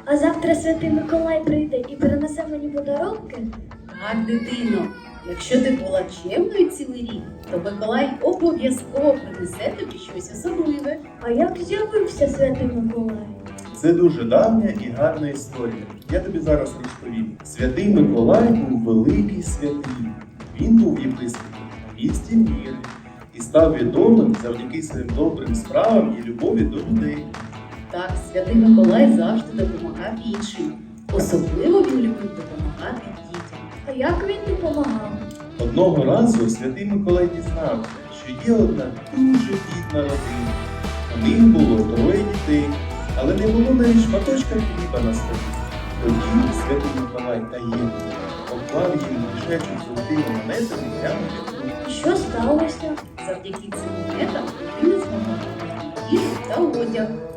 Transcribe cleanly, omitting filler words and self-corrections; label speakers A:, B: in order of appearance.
A: А завтра Святий Миколай прийде і принесе мені подарунки?
B: Так, дитино, якщо ти була чемною цілий рік, то Миколай обов'язково принесе тобі щось особливе.
A: А як з'явився Святий Миколай?
C: Це дуже давня і гарна історія. Я тобі зараз розповім. Святий Миколай був великий святий. Він був єпископом в місті Міри і став відомим завдяки своїм добрим справам і любові до людей.
B: Так, Святий Миколай завжди допомагав іншим. Особливо він любив допомагати дітям.
A: А як він допомагав?
C: Одного разу святий Миколай дізнався, що є одна дуже бідна родина. У них було 3 дітей, але не було навіть шматочка хліба на столі. Тоді святий Миколай таємно поклав їм мішечок з золотими монетами прямо під руку.
A: І що сталося?
B: Завдяки цим монетам дитина змогла купити їжу та одяг.